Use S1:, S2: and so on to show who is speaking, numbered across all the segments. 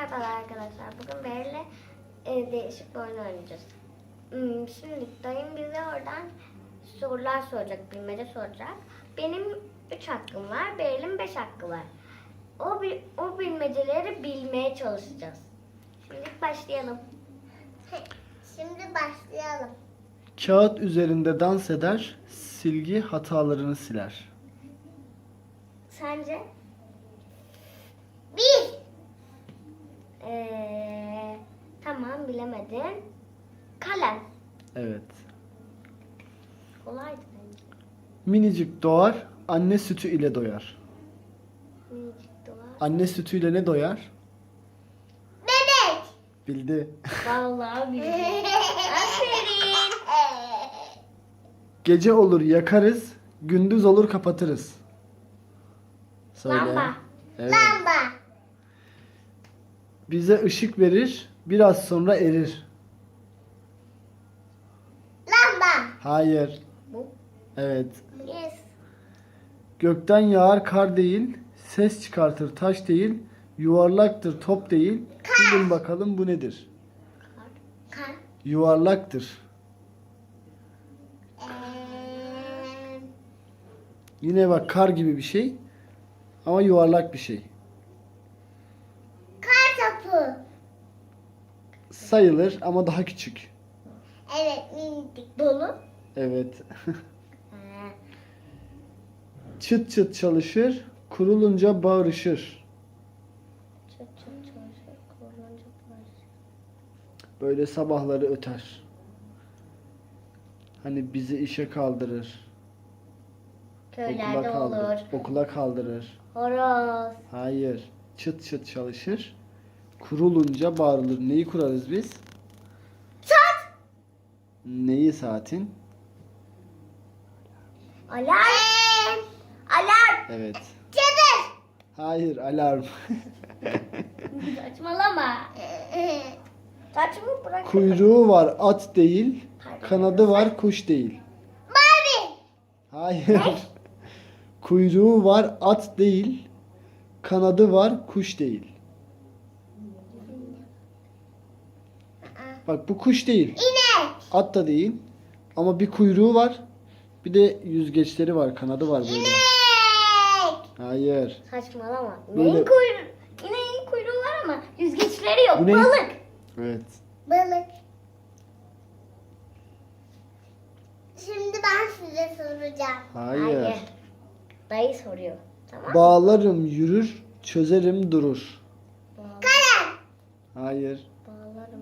S1: Merhaba arkadaşlar. Bugün Beril'le değişik bir oyun oynayacağız. Şimdi dayım bize oradan sorular soracak, bilmece soracak. Benim 3 hakkım var, Beril'in 5 hakkı var. O bilmeceleri bilmeye çalışacağız. Şimdi başlayalım.
S2: Kağıt üzerinde dans eder, silgi hatalarını siler.
S1: Sence? Tamam, bilemedin. Kalem.
S2: Evet.
S1: Kolaydı bence.
S2: Minicik doğar, anne sütü ile doyar.
S1: Minicik dolar.
S2: Anne sütüyle ne doyar?
S1: Bebek.
S2: Bildi.
S1: Vallahi bildim. Aferin.
S2: Gece olur yakarız, gündüz olur kapatırız. Söyle.
S1: Lamba.
S2: Evet.
S1: Lamba.
S2: Bize ışık verir, biraz sonra erir.
S1: Lamba.
S2: Hayır.
S1: Bu.
S2: Evet.
S1: Yes.
S2: Gökten yağar kar değil, ses çıkartır taş değil, yuvarlaktır top değil. Bilin bakalım bu nedir?
S1: Kar.
S2: Yuvarlaktır. Yine bak kar gibi bir şey ama yuvarlak bir şey.
S1: Kar topu.
S2: Sayılır ama daha küçük.
S1: Evet, minicik. Dolu.
S2: Evet. Çıt çıt çalışır, kurulunca bağırışır.
S1: Çıt çıt çalışır, kurulunca bağırışır.
S2: Böyle sabahları öter. Hani bizi işe kaldırır.
S1: Köylerde olur.
S2: Okula kaldırır.
S1: Horoz.
S2: Hayır. Çıt çıt çalışır. Kurulunca bağırılır. Neyi kurarız biz?
S1: Saat.
S2: Neyi saatin?
S1: Alarm. Alarm.
S2: Evet.
S1: Çadır.
S2: Hayır, alarm.
S1: Saçmalama. Saçımı bırak.
S2: Kuyruğu var at değil, kanadı var kuş değil.
S1: Mavi.
S2: Hayır. Kuyruğu var at değil, kanadı var kuş değil. Bak bu kuş değil.
S1: İnek.
S2: At da değil. Ama bir kuyruğu var. Bir de yüzgeçleri var, kanadı var böyle.
S1: İnek.
S2: Hayır.
S1: Saçmalama.
S2: Böyle-
S1: İneğin kuyruğu. İneğin kuyruğu var ama yüzgeçleri yok.
S2: Bu ne?
S1: Balık.
S2: Evet.
S1: Balık. Şimdi ben size soracağım.
S2: Hayır.
S1: Dayı soruyor. Tamam.
S2: Bağlarım yürür, çözerim durur.
S1: Kalem.
S2: Hayır.
S1: Bağlarım.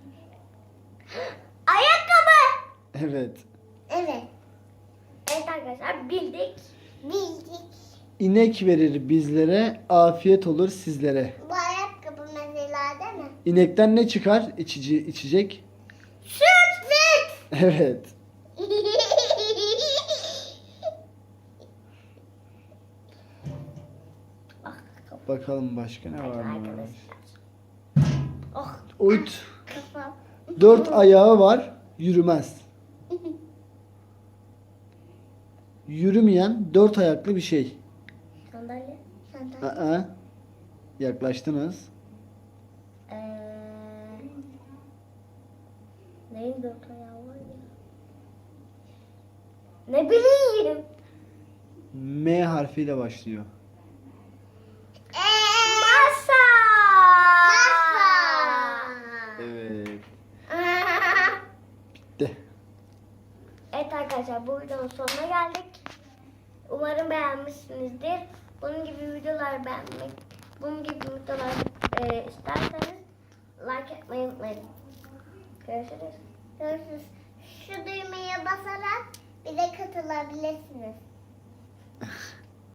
S1: Ayakkabı.
S2: Evet.
S1: Evet. Evet arkadaşlar bildik. Bildik.
S2: İnek verir bizlere, afiyet olur sizlere.
S1: Bu ayakkabı mesela değil mi?
S2: İnekten ne çıkar? İçecek.
S1: Süt. Süt.
S2: Evet. Bakalım başka ne var mı?
S1: Arkadaşlar. Oh
S2: Uyut.
S1: kafam.
S2: 4 ayağı var, yürümez. Yürümeyen 4 ayaklı bir şey.
S1: Sandalye. Sandalye.
S2: Aa, yaklaştınız.
S1: Neyin dört ayağı var ya? Ne bileyim.
S2: M harfiyle başlıyor.
S1: Masa.
S2: Evet. Bitti.
S1: Evet arkadaşlar bu videonun sonuna geldik. Umarım beğenmişsinizdir. Bunun gibi videolar isterseniz like etmeyi unutmayın. Görüşürüz. Görüşürüz. Şu düğmeye basarak bize katılabilirsiniz.